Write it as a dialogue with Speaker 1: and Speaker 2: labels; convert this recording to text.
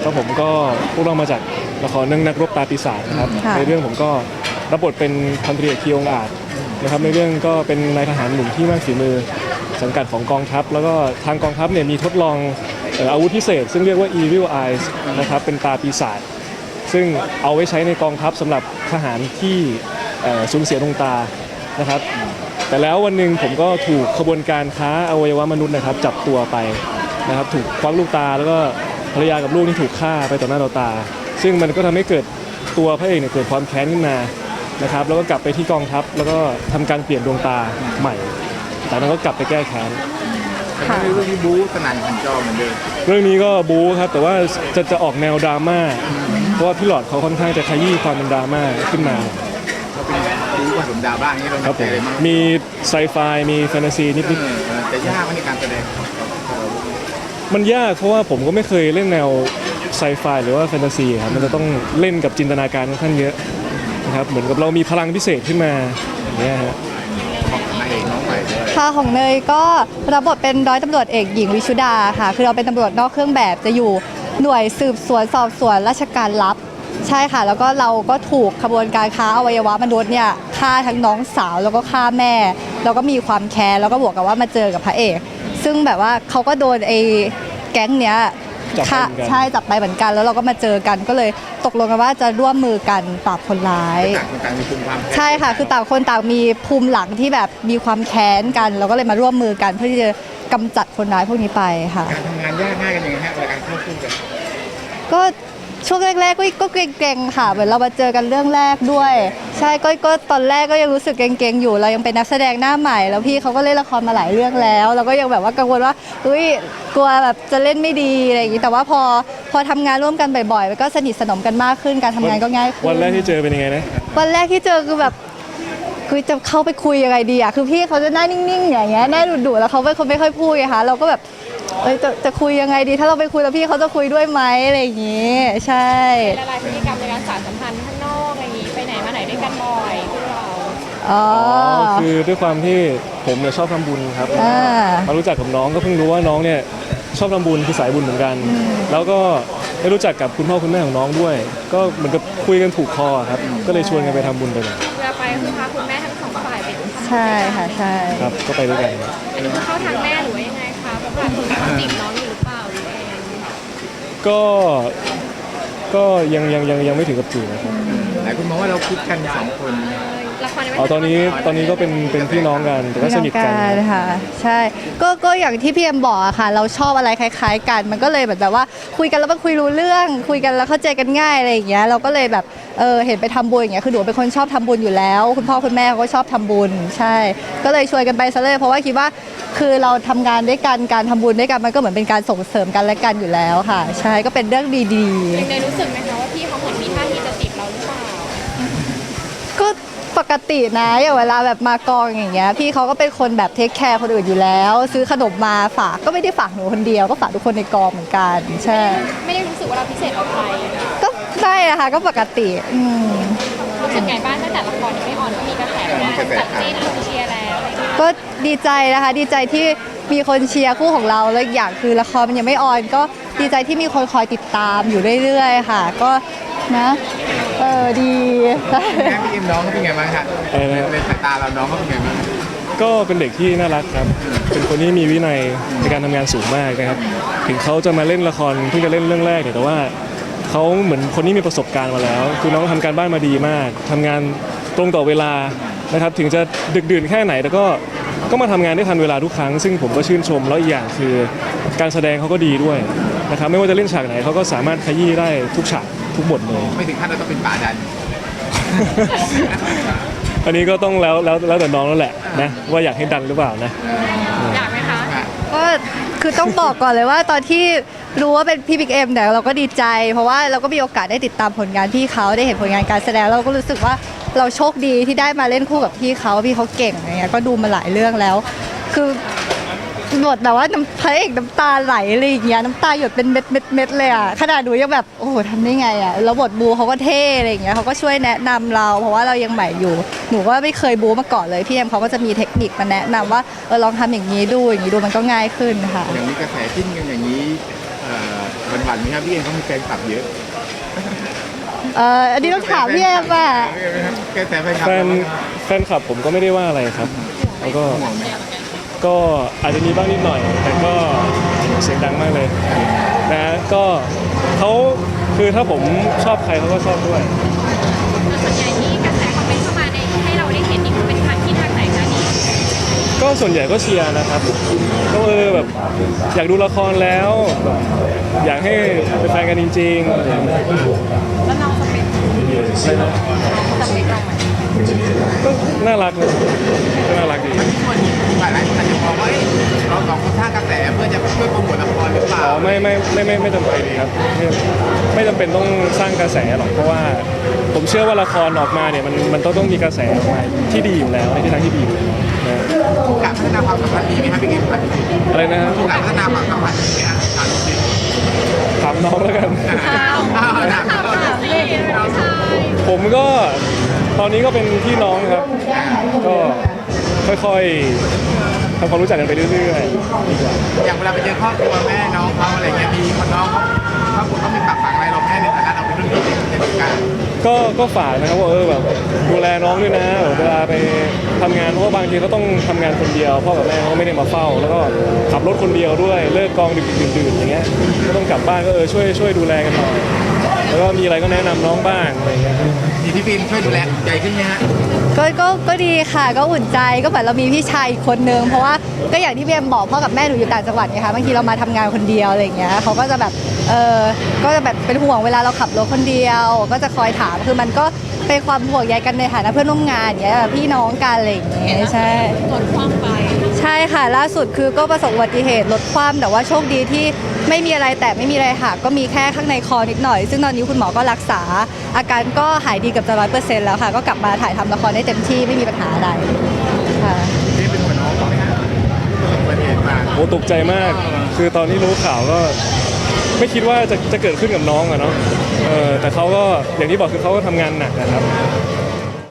Speaker 1: ก็ผมก็พวกเรามาจากละครเรื่องนักรบตาปีศาจนะครับในเรื่องผมก็รับบทเป็นพันตรีเอกคีองอาจนะครับในเรื่องก็เป็นนายทหารหนุ่มที่มากฝีมือสังกัดของกองทัพแล้วก็ทางกองทัพเนี่ยมีทดลองอาวุธพิเศษซึ่งเรียกว่า Evil Eyes นะครับเป็นตาปีศาจซึ่งเอาไว้ใช้ในกองทัพสำหรับทหารที่สูญเสียดวงตานะครับแต่แล้ววันหนึ่งผมก็ถูกขบวนการค้าอวัยวะมนุษย์นะครับจับตัวไปนะครับถูกควักลูกตาแล้วก็ภรรยากับลูกที่ถูกฆ่าไปต่อหน้าต่อตาซึ่งมันก็ทำให้เกิดตัวพระเอกเนี่ยเกิดความแค้นขึ้นมานะครับแล้วก็กลับไปที่กองทัพแล้วก็ทำการเปลี่ยนดวงตาใหม่จากนั้นก็กลับไปแก้แค้น
Speaker 2: ค่ะเรื่องนี้บู๊สนั่นพันจอเหมือนเดิม
Speaker 1: เรื่องนี้ก็บู๊ครับแต่ว่าจะออกแนวดราม่าเพราะว่าพี่หลอดเขาค่อนข้างจะขยี้ความเป็นดราม่าขึ้นมา
Speaker 2: เขาเป็นบู๊ผสมดราม่าอย่างนี้เรา
Speaker 1: ครับผมมีไซไฟมีแฟนตาซีนิด
Speaker 2: ๆจะยากในการแสดง
Speaker 1: มันยากเพราะว่าผมก็ไม่เคยเล่นแนวไซไฟหรือว่าแฟนตาซีครับมันจะต้องเล่นกับจินตนาการค่อนข้างเยอะนะครับเหมือนกับเรามีพลังพิเศษขึ้นมาอย่างเงี้ยฮะ
Speaker 3: ค่ะของเนยก็รับบทเป็นร้อยตำรวจเอกหญิงวิชุดาค่ะคือเราเป็นตำรวจนอกเครื่องแบบจะอยู่หน่วยสืบสวนสอบสวนราชการลับใช่ค่ะแล้วก็เราก็ถูกขบวนการค้าอวัยวะมนุษย์เนี่ยฆ่าทั้งน้องสาวแล้วก็ฆ่าแม่แล้วก็มีความแค้นแล้วก็บวกกับว่ามาเจอกับพระเอกซึ่งแบบว่าเขาก็โดนไอ้แก๊งเนี้ยใช่จับไปเหมือนกันแล้วเราก็มาเจอกันก็เลยตกลงกันว่าจะร่วมมือกันปราบคนร้ายใช่ค่ะคือต่างคนต่างมีภูมิหลังที่แบบมีความแค้นกันเราก็เลยมาร่วมมือกันเพื่อที่จะกำจัดคนร้ายพวกนี้ไปค่ะ
Speaker 2: การทำงานยากง่ายกันยังไงฮะการเข้าคู่กัน
Speaker 3: ก็ช่วงแรกๆก็เกรงๆค่ะเหมือนเรามาเจอกันเรื่องแรกด้วยใช่ก็ตอนแรกก็ยังรู้สึกเกรงๆอยู่เรายังเป็นนักแสดงหน้าใหม่แล้วพี่เขาก็เล่นละครมาหลายเรื่องแล้วเราก็ยังแบบว่ากังวลว่าอุ้ยกลัวแบบจะเล่นไม่ดีอะไรอย่างนี้แต่ว่าพอทำงานร่วมกันบ่อยๆก็สนิทสนมกันมากขึ้นการทำงานก็ง่ายขึ้น
Speaker 1: วันแรกที่เจอเป็นยังไงนะ
Speaker 3: วันแรกที่เจอคือแบบคือจะเข้าไปคุยยังไงดีอ่ะคือพี่เขาจะหน้านิ่งๆอย่างเงี้ยหน้าดุๆแล้วเขาเป็นคนไม่ค่อยพูดไงคะเราก็แบบจะคุยยังไงดีถ้าเราไปคุยแล้วพี่เขาจะคุยด้วยไหมอะไรอย่างงี้ใช่
Speaker 4: ละลายพฤติกรรมในการสานสัมพันธ์ข้างนอกอะไรอย่างงี้ไปไหนมาไหนด้วยกันบ่อยพวกเรา
Speaker 1: คือด้วยความที่ผมเนี่ยชอบทำบุญครับมารู้จักกับน้องก็เพิ่งรู้ว่าน้องเนี่ยชอบทำบุญคือสายบุญเหมือนกันแล้วก็ได้รู้จักกับคุณพ่อคุณแม่ของน้องด้วยก็เหมือนกับคุยกันถูกคอครับก็เลยชวนกันไปทำบุญไปเลย
Speaker 4: เวลาไปคือพาคุณแม่ทั้งสองฝ่ายไป
Speaker 3: ใช่ค่ะใช่
Speaker 1: ครับก็ไปด้วยกัน
Speaker 4: อันนี้เข้าทางแม่หรือว่ายังไงคะแบบว่าคุณจีบน้องอยู่หรือเปล่าหรือเอง
Speaker 1: ก็ยังไม่ถึงกับจีบนะครับ
Speaker 2: หลายคนมองว่าเราคิดกัน2คน
Speaker 1: ตอนนี้ก็เป็นพี่น้องกันแต่ก็สนิทกัน
Speaker 3: ค่ะใช่ก็อย่างที่พี่เอ็มบอกอะค่ะเราชอบอะไรคล้ายๆกันมันก็เลยแบบว่าคุยกันแล้วมันคุยรู้เรื่องคุยกันแล้วเข้าใจกันง่ายอะไรอย่างเงี้ยเราก็เลยแบบเห็นไปทำบุญอย่างเงี้ยคือหนูเป็นคนชอบทำบุญอยู่แล้วคุณพ่อคุณแม่เขาก็ชอบทำบุญใช่ก็เลยชวนกันไปซะเลยเพราะว่าคิดว่าคือเราทำงานด้วยกันการทำบุญด้วยกันมันก็เหมือนเป็นการส่งเสริมกันและกันอยู่แล้วค่ะใช่ก็เป็นเรื่องดี
Speaker 4: ๆในรู้สึกไหมคะว่าพี่เขาเหมือนมีท่าทีจะจีบเราหรือเปล่า
Speaker 3: ก็ปกตินะอย่างเวลาแบบมากองอย่างเงี้ยพี่เขาก็เป็นคนแบบเทคแคร์คนอื่นอยู่แล้วซื้อขนมมาฝากก็ไม่ได้ฝากหนูคนเดียวก็ฝากทุกคนในกองเหมือนกันใช่
Speaker 4: ไม่ได้รู้สึกว่าเราพิเศษกว่าใคร
Speaker 3: ก็ได้นะคะก็ปกติ
Speaker 4: รู้สึกไงบ้างตั้งแต่ละครยังไม่ออนก็มีกระแสจัดจีนคนเชียร์แล้ว
Speaker 3: ก็ดีใจนะคะดีใจที่มีคนเชียร์คู่ของเราแล้วอย่างคือละครมันยังไม่ออนก็ดีใจที่มีคนคอยติดตามอยู่เรื่อยๆค่ะก็นะดี
Speaker 2: แม่พี่เอ็มน้องเขาเป็นไงบ้างคะในสายตาเราน้องเขาเป็นไงบ้าง
Speaker 1: ก็เป็นเด็กที่น่ารักครับเป็นคนที่มีวินัยในการทำงานสูงมากนะครับถึงเขาจะมาเล่นละครเพิ่งจะเล่นเรื่องแรกแต่ว่าเขาเหมือนคนที่มีประสบการณ์มาแล้วคือน้องทำการบ้านมาดีมากทำงานตรงต่อเวลานะครับถึงจะดึกดื่นแค่ไหนแต่ก็มาทำงานได้ทันเวลาทุกครั้งซึ่งผมก็ชื่นชมแล้วอีกอย่างคือการแสดงเขาก็ดีด้วยนะครับไม่ว่าจะเล่นฉากไหนเขาก็สามารถขยี้ได้ทุกฉากทุกบทเลย
Speaker 2: ไม่ถึงขั้นเราต้องเป็นป่าดัน
Speaker 1: อันนี้ก็ต้องแล้วแต่น้องแล้วแหละนะว่าอยากให้ดันหรือเปล่านะ
Speaker 4: อยากไหมคะ
Speaker 3: ก็คือต้องบอกก่อนเลยว่าตอนที่รู้ว่าเป็นพี่บิ๊กเอ็มเนี่ยเราก็ดีใจเพราะว่าเราก็มีโอกาสได้ติดตามผลงานพี่เขาได้เห็นผลงานการแสดงเราก็รู้สึกว่าเราโชคดีที่ได้มาเล่นคู่กับพี่เขาเก่งอะไรเงี้ยก็ดูมาหลายเรื่องแล้วคือบทแบบว่าพระเอกน้ำตาไหลอะไรอย่างเงี้ยน้ำตาหยดเป็นเม็ดเลยอ่ะขนาดหนูยังแบบโอ้โหทำได้ไงอ่ะแล้วบทบูเขาก็เท่อะไรอย่างเงี้ยเขาก็ช่วยแนะนำเราเพราะว่าเรายังใหม่อยู่หนูก็ไม่เคยบูมาก่อนเลยพี่เอ็มเขาก็จะมีเทคนิคมาแนะนำว่าลองทำอย่างนี้ดูอย่างนี้ดูมันก็ง่ายขึ้นค่ะ
Speaker 2: อย่างนี้กระแสจิ้นกันอย่างนี้วันหวัดไหมครับพี่เอ็มเขามีแฟนคลับเยอะ
Speaker 3: อันนี้ต้องถามพี่เอ็มอ่ะ
Speaker 2: กระแสแฟนคลับ
Speaker 1: แฟนแฟนคลับผมก็ไม่ได้ว่าอะไรครับแล้วก็
Speaker 2: ห่วงไหม
Speaker 1: ก็อาจจะมีบ้างนิดหน่อย แต่ก็เสียงดังมากเลยนะก็เขาคือถ้าผมชอบใครเขาก็ชอบด้วย
Speaker 4: ส่วนใหญ่ที่กระแสคอมเมนต์เข้ามาในให้เราได้เห็นนี่มันเป็นทางที่ทางไหนคะนี่
Speaker 1: ก็ส่วนใหญ่ก็เชียร์นะครับก็แบบอยากดูละครแล้วแบบอยากให้เป็นแฟนกันจริงๆอะไรอย่างเงี้ย
Speaker 4: แล้วน้องสเปค
Speaker 1: อะไรนะ
Speaker 4: สเปคเราไหม
Speaker 1: ก็น่ารักนะก็น่ารักดี
Speaker 2: ส่วนหลายคนอาจจะมองว่าเราสองคนสร้างกระแสเพื่อจะช่วยโปรโมทละครหรือเปล่า
Speaker 1: อ๋อไม่จำเป็นครับไม่จำเป็นต้องสร้างกระแสหรอกเพราะว่าผมเชื่อว่าละครออกมาเนี่ยมันต้องมีกระแสออกมาที่ดีอยู่แล้วในทิศทางที่ดีอยู่แล้วนะ
Speaker 2: การพัฒนาความสัมพันธ์ดีไหมครับพี่เอ็มครับ
Speaker 1: อะไรนะฮะ
Speaker 2: การพัฒนาความสัมพันธ์ดีไหมครับถามจริง
Speaker 1: ถามน้องแล้วกัน
Speaker 2: ถาม
Speaker 1: ผมก็ตอนนี้ก็เป็นพี่น้องครับ ก็ค่อยๆทำความรู้จักกันไปเรื่อยๆดีกว่า
Speaker 2: อย่างเวลาไปเจอครอบครัวแม่น้องเขาอะไรเงี้ยมีคนน้องเขาเขามีปากฝังอะไรเราแม่ในฐานะเราเป็นรุ่นพี่ในวงการ
Speaker 1: ก็ฝากนะครับว่าแบบดูแลน้องด้วยนะเวลาไปทำงานเพราะว่าบางทีเขาต้องทำงานคนเดียวพ่อกับแม่เขาก็ไม่ได้มาเฝ้า แล้วก็ขับรถคนเดียวด้วยเลิกกองดึกๆดื่นๆอย่างเงี้ยก็ต้องกลับบ้านก็ช่วยดูแลกันหน่อยแล้วก็มีอะไรก็แนะนำน้องบ้างอะไรเงี้ย
Speaker 2: มีพี่บินช่วยดูแลใจขึ้นไหมฮะ
Speaker 3: ก็ดีค่ะก็อุ่นใจก็เหมือนเรามีพี่ชายอีกคนนึงเพราะว่าก็อย่างที่พี่เอ็มบอกพ่อกับแม่หนูอยู่ต่างจังหวัดไงคะบางทีเรามาทำงานคนเดียวอะไรอย่างเงี้ยเขาก็จะแบบก็จะแบบเป็นห่วงเวลาเราขับรถคนเดียว ก็จะคอยถามคือมันก็เป็นความห่วงใยกันในฐานะเพื่อนร่วมงานอย่างเงี้ยแบบพี่น้องกันอะไรอย่างเงี้ยใช่
Speaker 4: รถคว่ำไป
Speaker 3: ใช่ค่ะล่าสุดคือก็ประสบอุบัติเหตุรถคว่ำแต่ว่าโชคดีที่ไม่มีอะไรแต่ไม่มีอะไรหักก็มีแค่ข้างในคอนิดหน่อย ซึ่งตอนนี้คุณหมอก็รักษา อาการก็หายดีเกับจะ100%แล้วค่ะ ก็กลับมาถ่ายทำละครได้เต็มที่ไม่มีปัญหาอะไรค่ะ
Speaker 2: นี่เป็นหัวน้องเขาไหมฮะประสบอุบัติเหตุมา
Speaker 1: โอ้ตกใจมาก คือตอนที่รู้ข่าวก็ไม่คิดว่าจะเกิดขึ้นกับน้องอะเนาะแต่เขาก็อย่างที่บอกคือเขาก็ทำงานหนักนะครับ